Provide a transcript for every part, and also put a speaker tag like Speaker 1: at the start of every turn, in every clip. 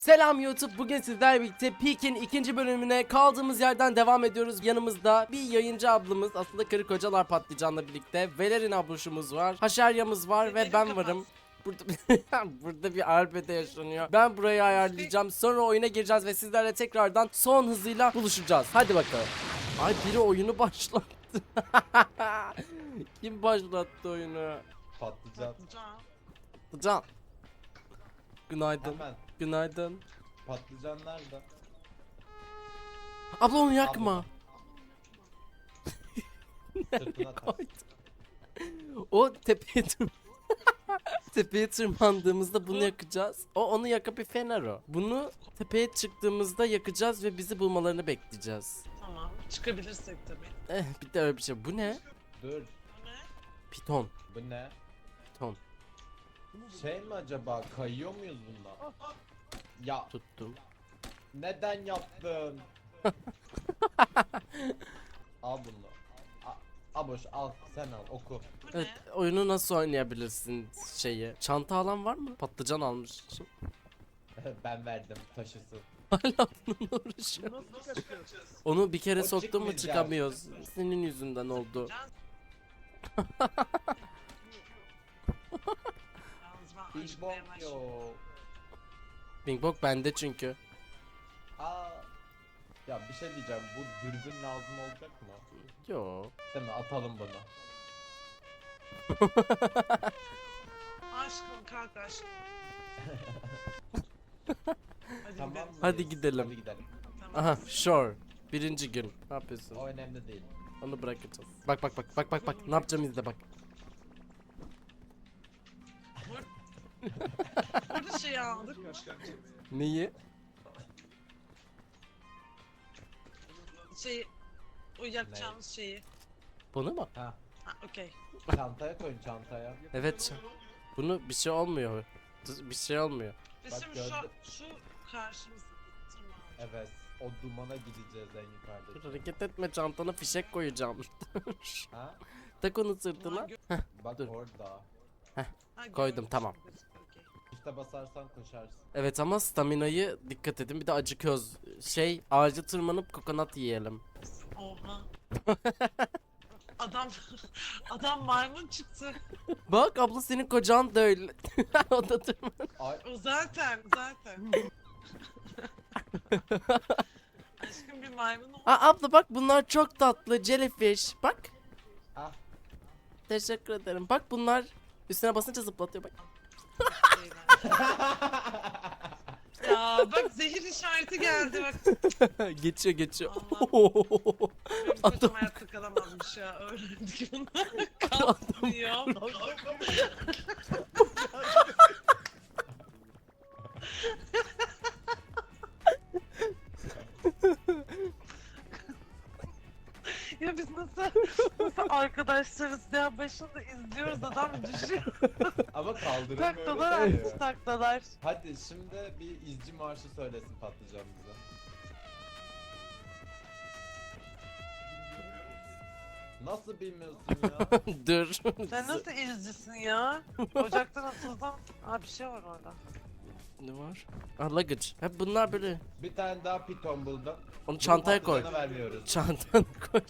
Speaker 1: Selam YouTube. Bugün sizlerle birlikte Peak'in ikinci bölümüne kaldığımız yerden devam ediyoruz. Yanımızda bir yayıncı ablamız, aslında karı kocalar patlıcanla birlikte Velerin abluşumuz var, Haşerya'mız var ve ben varım. Burada burada bir arbede yaşanıyor. Ben burayı ayarlayacağım. Sonra oyuna gireceğiz ve sizlerle tekrardan son hızıyla buluşacağız. Hadi bakalım. Ay, biri oyunu başlattı. Kim başlattı oyunu?
Speaker 2: Patlıcan.
Speaker 1: Can. Günaydın.
Speaker 2: Hemen.
Speaker 1: Günaydın.
Speaker 2: Patlıcan nerede?
Speaker 1: Abla onu yakma.
Speaker 2: Sırtına tak.
Speaker 1: O tepeye tepeye tırmandığımızda bunu yakacağız. Onu yakıp bir fener o. Bunu tepeye çıktığımızda yakacağız ve bizi bulmalarını bekleyeceğiz.
Speaker 3: Tamam. Çıkabilirsek tabii.
Speaker 1: Bir de öyle bir şey. Bu ne?
Speaker 2: Dur.
Speaker 3: Bu ne?
Speaker 1: Piton.
Speaker 2: Bu ne?
Speaker 1: Piton.
Speaker 2: Şey mi acaba? Kayıyor muyuz bundan? Ya
Speaker 1: Tuttum.
Speaker 2: neden yaptın? Al bunu. Aboş al, sen al, oku.
Speaker 3: Bu
Speaker 1: Evet,
Speaker 3: ne?
Speaker 1: oyunu nasıl oynayabilirsin şeyi? Çanta alan var mı? Patlıcan almış.
Speaker 2: Ben verdim, taşısı.
Speaker 1: Hala bununla uğraşıyor.
Speaker 3: Nasıl çıkıyoruz?
Speaker 1: Onu bir kere
Speaker 2: O
Speaker 1: soktun mu
Speaker 2: çıkmayacak.
Speaker 1: çıkamıyoruz. Senin yüzünden oldu.
Speaker 3: Yalnız ben
Speaker 2: Big
Speaker 3: acıkmaya
Speaker 2: Bang
Speaker 3: başladım.
Speaker 2: yo.
Speaker 1: Bing Bok bende çünkü.
Speaker 2: Aa. Ya bir şey diyeceğim, bu dürbün lazım olacak mı?
Speaker 1: Yo.
Speaker 2: Değil mi? Atalım bunu.
Speaker 3: Aşkım kalk aşkım. Hadi
Speaker 2: Tamam
Speaker 3: gidelim.
Speaker 2: mı?
Speaker 1: Hadi gidelim.
Speaker 2: Hadi gidelim.
Speaker 3: Tamam.
Speaker 1: Aha, sure. Birinci gün. Ne yapıyorsun?
Speaker 2: O önemli değil.
Speaker 1: Onu bırakacağız. Bak bak bak bak bak bak. Ne yapacağım izle bak.
Speaker 3: Burada şey aldık.
Speaker 1: Neyi?
Speaker 3: O yakacağımız şeyi.
Speaker 1: Bunu mu?
Speaker 2: Ha.
Speaker 3: Ha okey.
Speaker 2: Çantaya koyun, çantaya.
Speaker 1: Evet. Bunu bir şey olmuyor. Bir şey olmuyor.
Speaker 3: Biz
Speaker 2: Bak
Speaker 3: şimdi
Speaker 2: gördün.
Speaker 3: şu karşımızda tırmanacağız.
Speaker 2: Evet. O dumana gideceğiz en yukarıda.
Speaker 1: Dur, hareket etme, çantana fişek koyacağım.
Speaker 2: Ha?
Speaker 1: Tak onu sırtına.
Speaker 2: Bak
Speaker 1: Dur.
Speaker 2: orada.
Speaker 3: Ha,
Speaker 1: Koydum,
Speaker 3: görmüş
Speaker 1: tamam.
Speaker 3: gibi. Okey.
Speaker 2: İşte basarsan koşarsın.
Speaker 1: Evet ama staminayı dikkat edin. Bir de acıkıyoruz. Ağaca tırmanıp kokonat yiyelim.
Speaker 3: Oha. Adam adam maymun çıktı.
Speaker 1: Bak abla, senin kocan da öyle. O da tırman.
Speaker 2: Ay
Speaker 3: O zaten. Aşkım bir maymun oldu.
Speaker 1: Abla bak, bunlar çok tatlı. Jellyfish. Bak.
Speaker 2: ah.
Speaker 1: Teşekkür ederim. Bak bunlar üstüne basınca zıplatıyor bak.
Speaker 3: Ya bak zehir işareti geldi bak.
Speaker 1: geçiyor.
Speaker 3: Benim kocam hayatta kalamazmış ya. Öğrendik bunu. Kalkmıyor. Ya biz nasıl arkadaşlarız ya, başında izliyoruz, adam düşüyor.
Speaker 2: Ama kaldırım
Speaker 3: Taktalar
Speaker 2: öyle değil.
Speaker 3: artık taktalar.
Speaker 2: Hadi şimdi bir izci marşı söylesin patlıcan bize. Nasıl bilmiyorsun ya?
Speaker 1: Dur.
Speaker 3: Sen nasıl izcisin ya? Ocaktan atıldım. Aa bir şey var orada.
Speaker 1: Ne var? Luggage. Hep bunlar böyle.
Speaker 2: Bir tane daha piton buldum.
Speaker 1: Onu
Speaker 2: Bunu
Speaker 1: çantaya koy.
Speaker 2: patlıcana vermiyoruz.
Speaker 1: Çantana koy.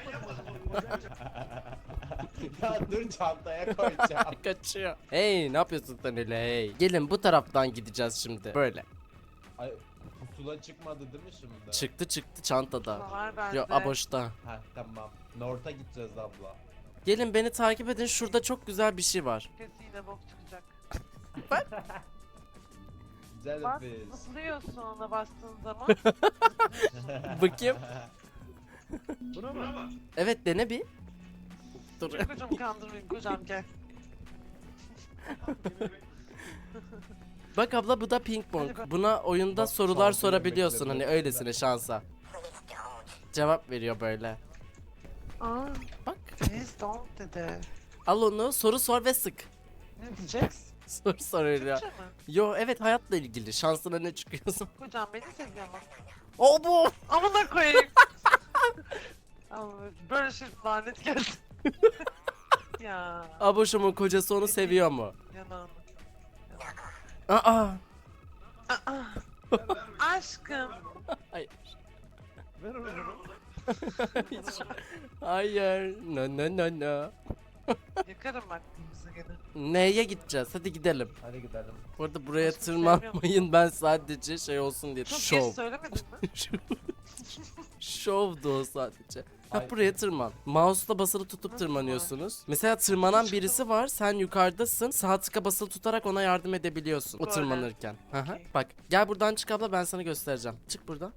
Speaker 2: Ya dur, çantaya koyacağım.
Speaker 1: Kaçıyor. Hey, ne yapıyorsun sen öyle hey? Gelin bu taraftan gideceğiz şimdi. Böyle.
Speaker 2: Ay pusula çıkmadı değil mi şimdi?
Speaker 1: Çıktı çantada.
Speaker 3: Var bende.
Speaker 1: Yo, boşta.
Speaker 2: Ha tamam. North'a gideceğiz abla.
Speaker 1: Gelin beni takip edin. Şurada çok güzel bir şey var.
Speaker 3: Kesin yine bok çıkacak. Bas,
Speaker 2: Jellyfish.
Speaker 3: zıplıyorsun ona bastığın zaman.
Speaker 1: Bakayım. Evet, dene bir. Dur.
Speaker 3: Kocam kandırmayın, kocam gel.
Speaker 1: Bak abla, bu da ping pong. Buna oyunda
Speaker 2: Bak,
Speaker 1: sorular
Speaker 2: şanslı
Speaker 1: sorabiliyorsun,
Speaker 2: yemeklerin
Speaker 1: hani öylesine şansa. Cevap veriyor böyle.
Speaker 3: Aa,
Speaker 1: Bak.
Speaker 3: please don't dedi.
Speaker 1: Al onu, soru sor ve sık.
Speaker 3: Ne diyeceksin?
Speaker 1: Soru soruyor.
Speaker 3: Türkçe mi?
Speaker 1: Yo evet, hayatla ilgili. Şansına ne çıkıyorsun?
Speaker 3: Kocam beni seviyor mu?
Speaker 1: O bu.
Speaker 3: Amına koyayım. Ama böyle şey lanet geldi. Ya
Speaker 1: Aboşumun kocası onu seviyor mu?
Speaker 3: yanağını.
Speaker 1: Aa.
Speaker 3: Aa, Aşkım.
Speaker 1: Hayır.
Speaker 4: Ver onu.
Speaker 1: Hayır. No no no no.
Speaker 3: Yakarım bak bizi gene.
Speaker 1: Neye gideceğiz? Hadi gidelim.
Speaker 2: Hadi gidelim.
Speaker 1: Bu arada buraya
Speaker 3: Başka bir şey
Speaker 1: tırmanmayın, ben sadece şey olsun diye.
Speaker 3: Çok
Speaker 1: Şov.
Speaker 3: geç söylemedin mi?
Speaker 1: Şovdu o sadece. Ha,
Speaker 2: Ay.
Speaker 1: buraya tırman. Mouse'la basılı tutup
Speaker 3: Nasıl
Speaker 1: tırmanıyorsunuz. Mesela tırmanan birisi var, sen yukarıdasın. Sağ tıka basılı tutarak ona yardım edebiliyorsun o
Speaker 3: Böyle.
Speaker 1: tırmanırken. Hı hı.
Speaker 3: Okey.
Speaker 1: Bak gel buradan çık abla, ben sana göstereceğim. Çık buradan.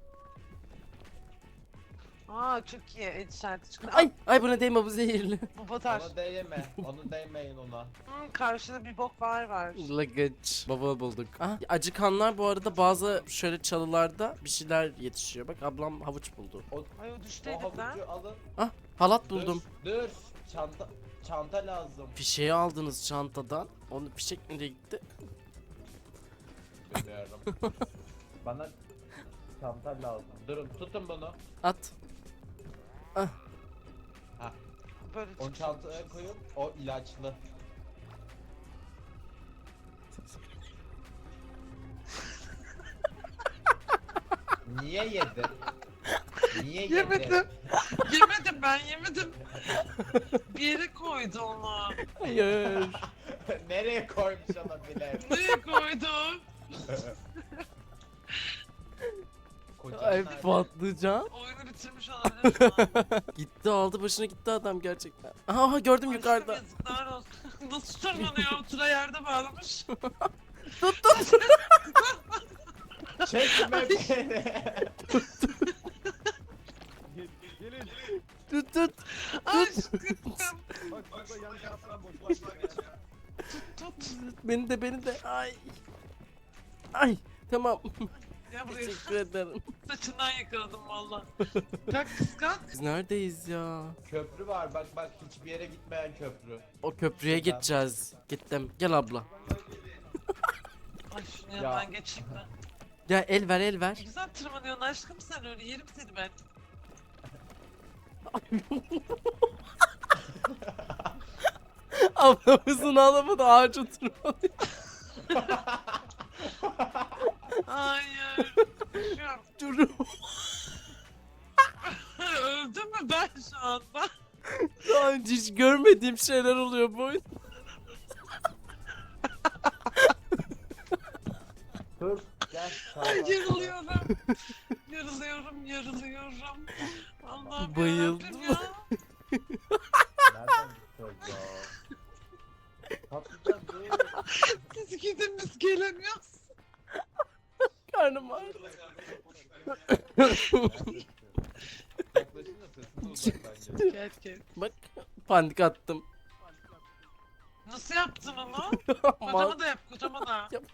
Speaker 3: Aa çok iyi. El işareti çıktı.
Speaker 1: Ay buna değme, bu zehirli.
Speaker 3: Bu batar.
Speaker 2: Ona değme. Onu değmeyin ona.
Speaker 3: Karşıda bir bok var.
Speaker 1: Lagıç. Baba bulduk. Ah, acıkanlar bu arada bazı şöyle çalılarda bir şeyler yetişiyor. Bak ablam havuç buldu.
Speaker 3: Ay o düştü
Speaker 2: O
Speaker 3: elimden.
Speaker 2: havucu alın.
Speaker 1: Ah, halat buldum.
Speaker 2: Dur. Çanta lazım.
Speaker 1: Fişeği aldınız çantadan. Onu fişek nereye gitti?
Speaker 2: Bilmiyorum. Bana çanta lazım. Durun tutun bunu.
Speaker 1: At.
Speaker 3: Böyle
Speaker 2: Onu
Speaker 3: çıktı.
Speaker 2: çantaya koyun. O ilaçlı. Niye yedin? Niye yedin?
Speaker 3: Yemedim. Yemedim ben yemedim. Bir yere koydu onu.
Speaker 1: Hayır.
Speaker 2: Nereye koymuş olabilir?
Speaker 3: Nereye koydu?
Speaker 2: Kocan
Speaker 1: Ay
Speaker 2: nerede?
Speaker 1: patlıcan.
Speaker 3: Oyunu bitirmiş olabilir şu an.
Speaker 1: Gitti, aldı başına gitti adam gerçekten. Aha gördüm
Speaker 3: Aşkım
Speaker 1: yukarıda.
Speaker 3: yazıklar olsun. Nasıl tırmanıyor? Tura yerde bağlamış.
Speaker 2: Çekme beni.
Speaker 4: Gelin.
Speaker 1: Tut tut.
Speaker 3: Aşkım.
Speaker 4: Bak burada yan taraftan boşluk var.
Speaker 3: Tut.
Speaker 1: Beni de. Ay. Ay tamam.
Speaker 3: Ya buraya
Speaker 1: Teşekkür ederim.
Speaker 3: saçından yakaladım valla. Kalk kıskan.
Speaker 1: Biz neredeyiz ya?
Speaker 2: Köprü var bak hiçbir yere gitmeyen köprü.
Speaker 1: O köprüye
Speaker 2: Şuradan.
Speaker 1: gideceğiz. Gittim. Gel abla.
Speaker 3: Ay şunu
Speaker 2: Ya.
Speaker 3: yanından geçeyim ben.
Speaker 1: Ya el ver el ver.
Speaker 3: Ne güzel tırmanıyorsun aşkım sen öyle yerim seni ben.
Speaker 1: Ablamızın ağlamadı, ağaca tırmanıyor.
Speaker 3: Hayır. Düşüyorum.
Speaker 1: Dur.
Speaker 3: Öldüm mü ben şu anda?
Speaker 1: Daha önce hiç görmediğim şeyler oluyor bu oyun.
Speaker 2: Dur gel.
Speaker 3: Yarılıyorum. Yarılıyorum. Allah'ım
Speaker 1: Bayıldım.
Speaker 3: yarabbim ya.
Speaker 2: Nereden gideceğiz ya? Patlayacağız dur.
Speaker 3: Siz gidin biz gelemiyoruz.
Speaker 1: Karnım ağrıyor.
Speaker 2: Yaklaşınca sesini uzaktan gel.
Speaker 3: Gel.
Speaker 1: Bak panik attım.
Speaker 3: Nasıl yaptın onu?
Speaker 1: Mal.
Speaker 3: Kocama da yap kocama da.
Speaker 1: Yap.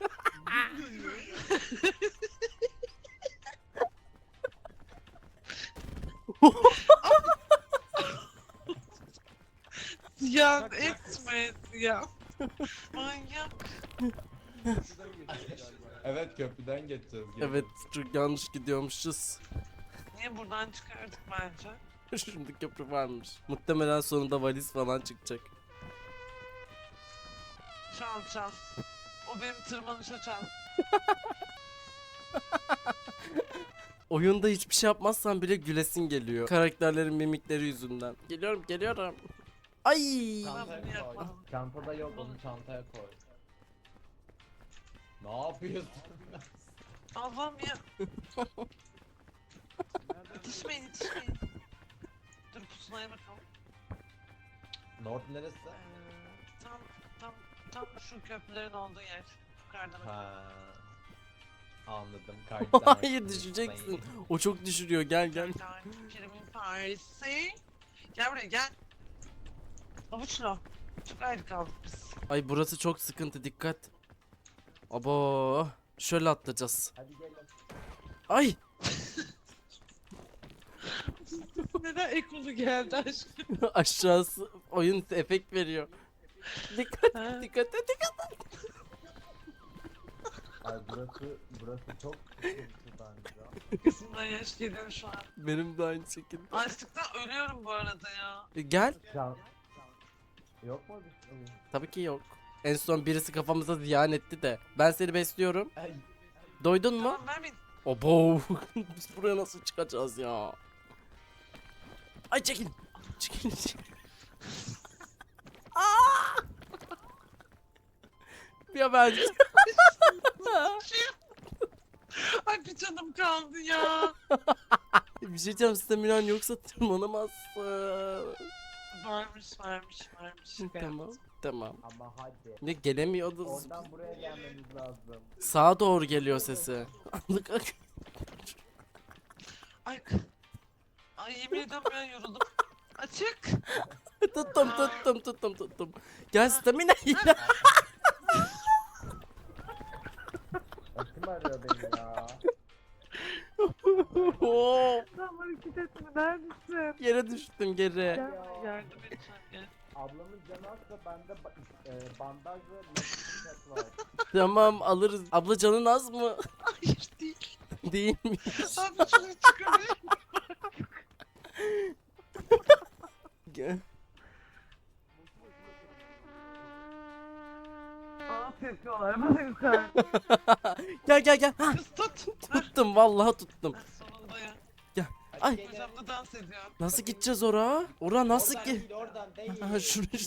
Speaker 3: Ya etme ya. Manyak.
Speaker 2: Evet köprüden geçeceğiz. gelin.
Speaker 1: Evet çok yanlış gidiyormuşuz.
Speaker 3: Niye buradan çıkardık bence?
Speaker 1: Şimdi köprü varmış. Muhtemelen sonunda valiz falan çıkacak.
Speaker 3: Çal. O benim tırmanışa çal.
Speaker 1: Oyunda hiçbir şey yapmazsan bile gülesin geliyor. Karakterlerin mimikleri yüzünden. Geliyorum. Ay.
Speaker 2: Çantaya
Speaker 3: bunu
Speaker 2: koy.
Speaker 3: yapmadım.
Speaker 2: Çantada yok onu çantaya koy. Ne yapıyorsun?
Speaker 3: Allah'ım ya. Yetişmeyin. Dur pusulaya bakalım.
Speaker 2: North neresi?
Speaker 3: Tam şu köprülerin olduğu yer. Yukarıdan.
Speaker 2: Ha. Anladım. Kardeşler.
Speaker 1: Hayır düşeceksin. O çok düşürüyor, gel.
Speaker 3: Kerimin Paris'i. Gel buraya gel. Avuçla. Çok ayrı kaldık biz.
Speaker 1: Ay burası çok sıkıntı, dikkat. Abo. Şöyle atlayacağız.
Speaker 2: Hadi gelin.
Speaker 1: Ay.
Speaker 3: Neden ekolu geldi aşkım?
Speaker 1: Aşağısı oyun efekt veriyor. Dikkat
Speaker 3: Ha.
Speaker 1: dikkat.
Speaker 2: Ay burası çok sıkıntı bence.
Speaker 3: Kızımdan yaş geliyor şu an.
Speaker 1: Benim de aynı şekilde.
Speaker 3: Açlıktan ölüyorum bu arada ya.
Speaker 1: Gel.
Speaker 2: Yok mu bir şey?
Speaker 1: Tabii ki yok. En son birisi kafamıza ziyan etti de. Ben seni besliyorum.
Speaker 2: Ay.
Speaker 1: Doydun mu?
Speaker 3: Tamam vermeyin.
Speaker 1: Obo. Biz buraya nasıl çıkacağız ya? Ay çekil. Çekil. Aa! Ya ben.
Speaker 3: Ay bir canım kaldı ya.
Speaker 1: Bir şey diyeceğim, staminan yoksa tırmanamazsın.
Speaker 3: Varmış. Şaka
Speaker 1: Tamam.
Speaker 3: yaptım.
Speaker 1: Tamam.
Speaker 2: Ama hadi.
Speaker 1: Ne gelemiyoruz.
Speaker 2: Oradan buraya gelmemiz lazım.
Speaker 1: Sağa doğru geliyor sesi.
Speaker 3: Ay. Ay yemin ediyorum ya yoruldum. Açık.
Speaker 1: tuttum. Gel stamina.
Speaker 2: Kim arıyor beni ya?
Speaker 1: Oo,
Speaker 3: Tam hareket etme neredesin?
Speaker 1: Yere düştüm geri.
Speaker 3: Gel yardım edeceğim gel.
Speaker 2: Ablamın canı azsa bende bandaj ve nakit var.
Speaker 1: Tamam alırız. Abla canın az mı?
Speaker 3: Hayır değil.
Speaker 1: Değilmiş.
Speaker 3: Abi şunu çıkarayım.
Speaker 1: Gel.
Speaker 3: Aa tepiyorlar bana yukarı.
Speaker 1: Gel. Ha,
Speaker 3: Kız tut.
Speaker 1: tuttum vallahi tuttum.
Speaker 3: Sonunda ya.
Speaker 1: Ay.
Speaker 3: Hocamla dans ediyor.
Speaker 1: Nasıl gideceğiz oraya? Ora nasıl
Speaker 2: Oradan
Speaker 1: ki?
Speaker 2: değil, oradan değil.
Speaker 1: Ha, şuraya.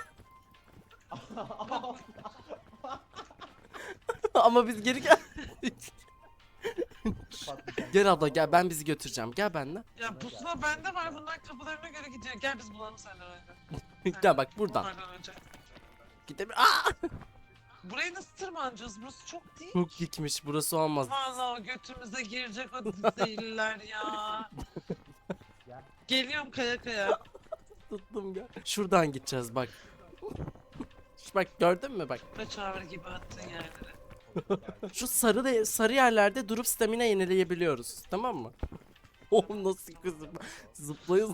Speaker 1: Ama biz geri gel.
Speaker 2: Patlayacak.
Speaker 1: Gel abla gel, ben bizi götüreceğim. Gel benimle.
Speaker 3: Ya pusula bende var bunlar kapılarına göre gidiyor. Gel biz bulalım senden önce.
Speaker 1: Gel bak buradan.
Speaker 3: Onlardan önce.
Speaker 1: Gidelim. Aa!
Speaker 3: Burayı nasıl tırmanacağız? Burası çok değil.
Speaker 1: Çok dikmiş, burası olmaz.
Speaker 3: Vallahi o götümüze girecek o zehirliler ya.
Speaker 2: Gel.
Speaker 3: Geliyorum kaya kaya.
Speaker 1: Tuttum gel. Şuradan gideceğiz bak. Bak gördün mü bak.
Speaker 3: Kaçaver gibi attığın yerlere.
Speaker 1: Şu sarı yerlerde durup stamina yenileyebiliyoruz. Tamam mı? Oğlum nasıl kızım. Zıplaya.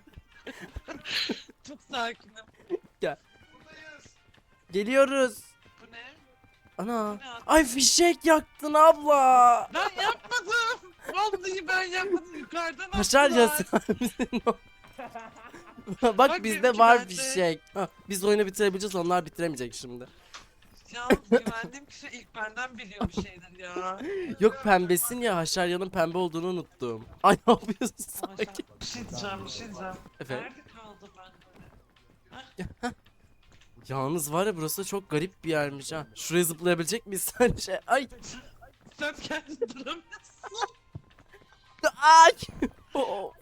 Speaker 3: Çok sakinim.
Speaker 1: Gel.
Speaker 3: Buradayız.
Speaker 1: Geliyoruz.
Speaker 3: Bu ne?
Speaker 1: Ana.
Speaker 3: Bu ne?
Speaker 1: Ay fişek yaktın abla.
Speaker 3: Ben yapmadım. Vallahi ben yapmadım. Yukarıdan
Speaker 1: Haşar
Speaker 3: attılar.
Speaker 1: ya sen misin o? Bak
Speaker 3: Bak
Speaker 1: bizde
Speaker 3: benimki
Speaker 1: var
Speaker 3: bende.
Speaker 1: fişek. Ha, biz oyunu bitirebileceğiz, onlar bitiremeyecek şimdi.
Speaker 3: Ya güvendiğim kişi ilk benden biliyor bir şeyler ya.
Speaker 1: Yok pembesin ya, Haşerya'nın pembe olduğunu unuttum. Ay ne yapıyorsun sakin.
Speaker 3: Bir şey diyeceğim.
Speaker 1: Efendim?
Speaker 3: Nerede kaldı ben?
Speaker 1: Yalnız var ya, burası çok garip bir yermiş ha. Şuraya zıplayabilecek miyiz sence? Ay.
Speaker 3: Sen kendin duramıyorsun.
Speaker 1: Ay. Oh.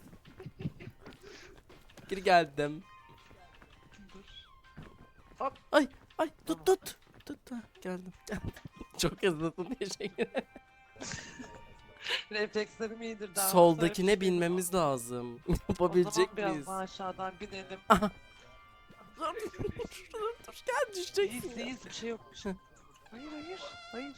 Speaker 1: Geri geldim.
Speaker 3: Hop.
Speaker 1: Ay tut. Ha, geldim. Çok hızlısın, teşekkür ederim.
Speaker 3: Reflekslerim iyidir daha.
Speaker 1: Soldakine binmemiz lazım. Yapabilecek
Speaker 3: Biraz
Speaker 1: miyiz?
Speaker 3: daha aşağıdan binelim.
Speaker 1: Dur gel, düşeceksin.
Speaker 3: İyiyiz bir şey yok. Bir şey. Hayır.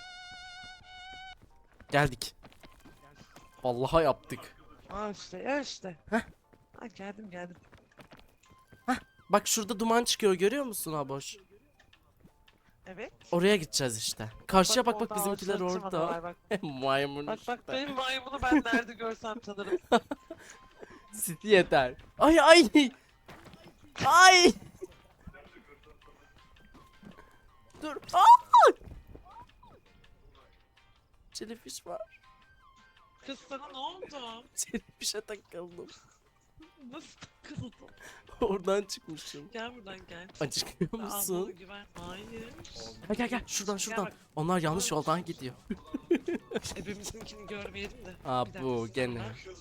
Speaker 1: Geldik. Vallahi yaptık.
Speaker 3: Aa işte.
Speaker 1: Heh.
Speaker 3: Ha, geldim.
Speaker 1: Bak şurada duman çıkıyor, görüyor musun Aboş?
Speaker 3: Evet.
Speaker 1: Oraya gideceğiz işte. Karşıya bak
Speaker 3: orada
Speaker 1: bizimkiler
Speaker 3: ağaçların tırmanıyorlar,
Speaker 1: orada.
Speaker 3: Bak.
Speaker 1: Maymun
Speaker 3: Bak
Speaker 1: işte.
Speaker 3: benim maymunu ben nerede görsem tanırım.
Speaker 1: City yeter. Ay. Ay. Dur. Aa! Jellyfish var.
Speaker 3: Kız sana ne oldu?
Speaker 1: Jellyfish'e takıldım.
Speaker 3: Nasıl takıldın?
Speaker 1: Oradan çıkmışım.
Speaker 3: Gel buradan gel.
Speaker 1: Acıkıyor
Speaker 3: Aa, bana
Speaker 1: musun?
Speaker 3: güven. Hayır.
Speaker 1: Gel. Şuradan.
Speaker 3: Gel bak.
Speaker 1: Onlar yanlış yoldan gidiyor.
Speaker 3: Hepimizinkini görmeyelim de.
Speaker 1: Aa,
Speaker 3: Bir dakika,
Speaker 1: bu
Speaker 3: sonra.
Speaker 1: gene.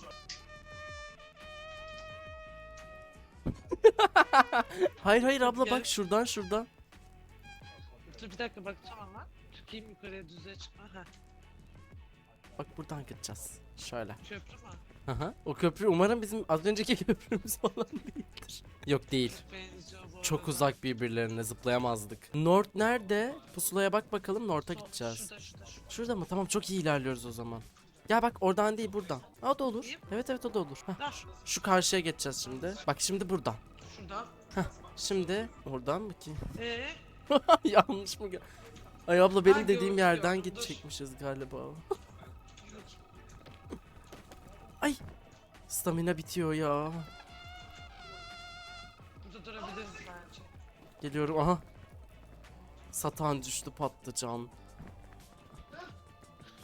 Speaker 1: Hayır abla,
Speaker 3: Gel.
Speaker 1: bak şuradan.
Speaker 3: Dur bir dakika bakacağım ama. Çıkayım yukarıya düzeye çıkma. Heh.
Speaker 1: Bak buradan gideceğiz. Şöyle.
Speaker 3: Köprü mü?
Speaker 1: Aha. O köprü umarım bizim az önceki köprümüz falan değildir. Yok değil.
Speaker 3: Benziyor bu
Speaker 1: Çok
Speaker 3: arada.
Speaker 1: uzak birbirlerine, zıplayamazdık. North nerede? Pusulaya bak bakalım, North'a gideceğiz.
Speaker 3: Şurada.
Speaker 1: Şurada mı? Tamam, çok iyi ilerliyoruz o zaman. Gel bak, oradan değil buradan. Ha, o da olur.
Speaker 3: İyi.
Speaker 1: Evet o da olur. Hah.
Speaker 3: Dur.
Speaker 1: Şu karşıya geçeceğiz şimdi. Bak şimdi buradan.
Speaker 3: Şuradan.
Speaker 1: Şimdi oradan mı ki?
Speaker 3: Ee,
Speaker 1: Yanlış mı? Ay abla, benim
Speaker 3: Ha,
Speaker 1: dediğim
Speaker 3: gördüm,
Speaker 1: yerden
Speaker 3: gördüm, dur.
Speaker 1: gidecekmişiz galiba. Ay. Stamina bitiyor ya.
Speaker 3: burada durabiliriz bence.
Speaker 1: Geliyorum, aha. Satan düştü, patlıcan.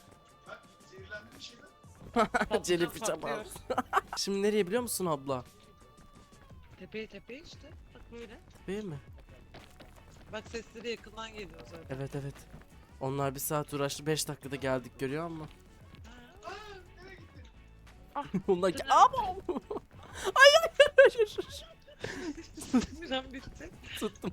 Speaker 1: Jellyfish'e
Speaker 3: patlıyor.
Speaker 1: bak. Şimdi nereye biliyor musun abla?
Speaker 3: Tepeye işte. Bak böyle.
Speaker 1: Değil mi?
Speaker 3: Bak sesleri yakından geliyor zaten.
Speaker 1: Evet evet. Onlar bir saat uğraştı 5 dakikada geldik görüyor musun? Onlar ki ama. Hayır.
Speaker 3: Miran bitti.
Speaker 1: Tuttum.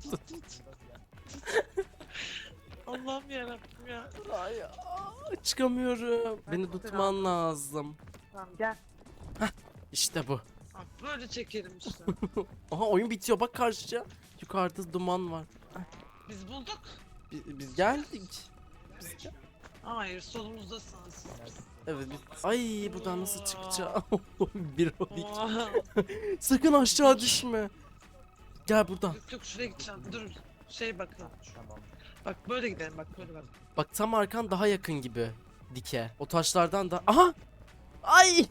Speaker 3: Allah'ım yarabbim ya.
Speaker 1: Ay, çıkamıyorum. Beni tutman lazım.
Speaker 3: Tamam gel.
Speaker 1: İşte bu.
Speaker 3: Bak böyle çekelim işte.
Speaker 1: Aha oyun bitiyor bak karşıya. Yukarıda duman var.
Speaker 3: Biz bulduk.
Speaker 1: Biz geldik.
Speaker 3: Hayır solumuzdasınız siz.
Speaker 1: Evet biz... Ay buradan nasıl çıkacağım? 1-12.
Speaker 3: Oha.
Speaker 1: Sakın aşağı düşme. Gel buradan.
Speaker 3: Yok şuraya gideceğim. Dur. Şey bakın.
Speaker 2: Tamam.
Speaker 3: Bak böyle gidelim bak böyle bak.
Speaker 1: Bak tam arkan daha yakın gibi. Dike. O taşlardan da... Aha! Ay!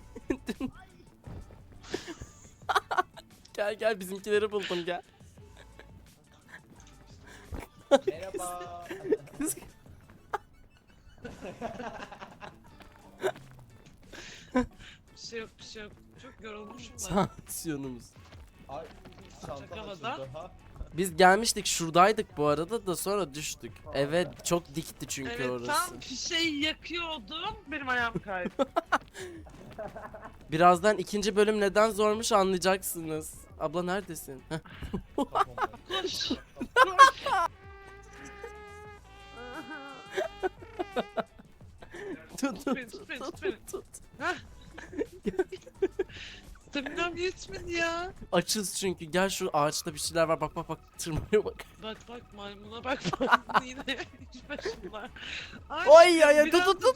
Speaker 1: Gel bizimkileri buldum gel.
Speaker 2: Merhaba.
Speaker 3: Bir şey yok. Çok yorulmuşum ben.
Speaker 1: Tansiyonumuz.
Speaker 2: Ay çantam
Speaker 3: Çakamadan.
Speaker 2: açıldı ha.
Speaker 1: Biz gelmiştik şuradaydık bu arada da sonra düştük. Evet çok dikti çünkü
Speaker 3: Evet
Speaker 1: orası.
Speaker 3: tam fişeği yakıyordum. Benim ayağım kaydı.
Speaker 1: Birazdan ikinci bölüm neden zormuş anlayacaksınız. Abla neredesin? Heh.
Speaker 2: Kafamda.
Speaker 3: Koş.
Speaker 1: Tut
Speaker 3: beni, tut beni, tut beni.
Speaker 1: tut.
Speaker 3: Hah. Staminam yetmedi ya.
Speaker 1: Açız çünkü gel şu ağaçta bir şeyler var bak tırmanıyor bak.
Speaker 3: Bak maymuna bak maymuna yine hiç başımlar.
Speaker 1: Oy ya
Speaker 3: biraz
Speaker 1: tut.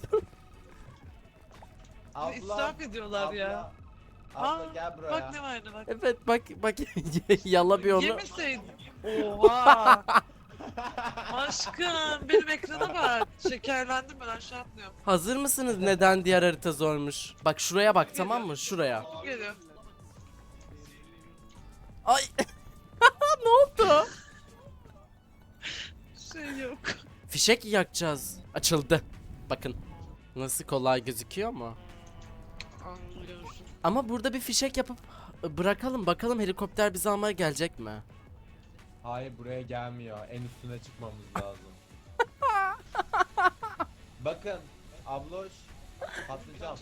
Speaker 2: Abla.
Speaker 3: İsraf ediyorlar ya.
Speaker 2: Abla
Speaker 3: Aa,
Speaker 2: gel buraya.
Speaker 3: Bak ne vardı bak.
Speaker 1: Evet bak yala bir onu.
Speaker 3: Yemeseydin. Oha. Aşkım benim ekrana bak. Şekerlendim ben aşağı atlıyorum.
Speaker 1: Hazır mısınız neden diğer harita zormuş? Bak şuraya bak tamam mı? Şuraya.
Speaker 3: Geliyor.
Speaker 1: Ay. Ne oldu?
Speaker 3: Şey yok.
Speaker 1: Fişek yakacağız. Açıldı. Bakın. Nasıl kolay gözüküyor mu?
Speaker 3: Anlıyorsun.
Speaker 1: Ama burada bir fişek yapıp bırakalım bakalım helikopter bizi almaya gelecek mi?
Speaker 2: Hayır buraya gelmiyor. En üstüne çıkmamız lazım. Bakın abloş patlayacağım.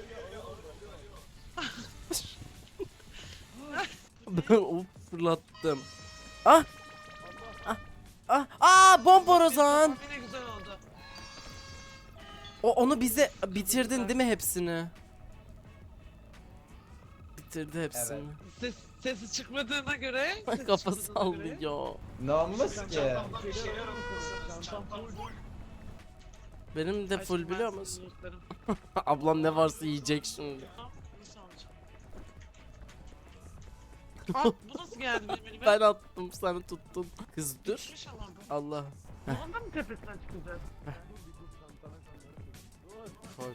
Speaker 1: Ben of fırlattım. Bomborozan.
Speaker 3: Yine güzel oldu.
Speaker 1: Onu bize bitirdin değil mi hepsini? Bitirdi hepsini.
Speaker 3: Sesi çıkmadığına göre. sesi
Speaker 1: Kafa
Speaker 3: çıkmadığına göre-
Speaker 1: sallıyor.
Speaker 2: Ne olmuş ki?
Speaker 1: Benim de full
Speaker 3: Aşkım,
Speaker 1: biliyor
Speaker 3: ben
Speaker 1: musun?
Speaker 3: seni unutlarım.
Speaker 1: Ablam ne varsa yiyecek şimdi.
Speaker 3: Nasıl alacağım? Bu nasıl geldi benim elime?
Speaker 1: Ben attım sen tuttun. Kız dur.
Speaker 3: Düşmüş ama bu.
Speaker 1: Allah.
Speaker 3: Bunun da mı tepesine çıkacağız?
Speaker 1: Koy.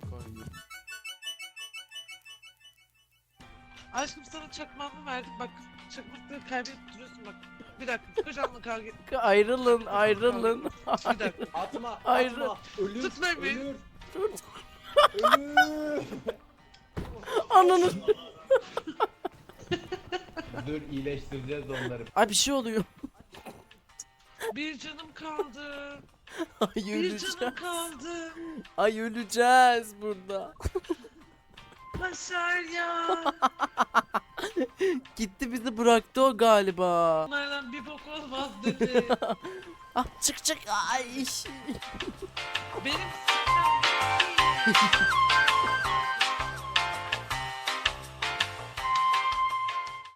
Speaker 3: Aşkım sana çakmağımı verdik bak. Çakmakları kaybedip duruyorsun bak. Bir dakika kocamanla kavga et.
Speaker 1: Ayrılın.
Speaker 3: Bir dakika.
Speaker 2: Atma.
Speaker 1: Hayır.
Speaker 2: Atma. Ölür.
Speaker 3: Tut beni.
Speaker 2: Ölür.
Speaker 1: Dur.
Speaker 2: Ölür.
Speaker 1: Ananı.
Speaker 2: Dur iyileştireceğiz onları.
Speaker 1: Ay bir şey oluyor.
Speaker 3: Bir canım kaldı.
Speaker 1: Ay
Speaker 3: Bir canım
Speaker 1: öleceğiz.
Speaker 3: kaldı.
Speaker 1: Ay öleceğiz burada.
Speaker 3: Başar ya.
Speaker 1: Gitti bizi bıraktı o galiba.
Speaker 3: Bunlardan bir bok olmaz dedi.
Speaker 1: Çık. Ay.
Speaker 3: Benim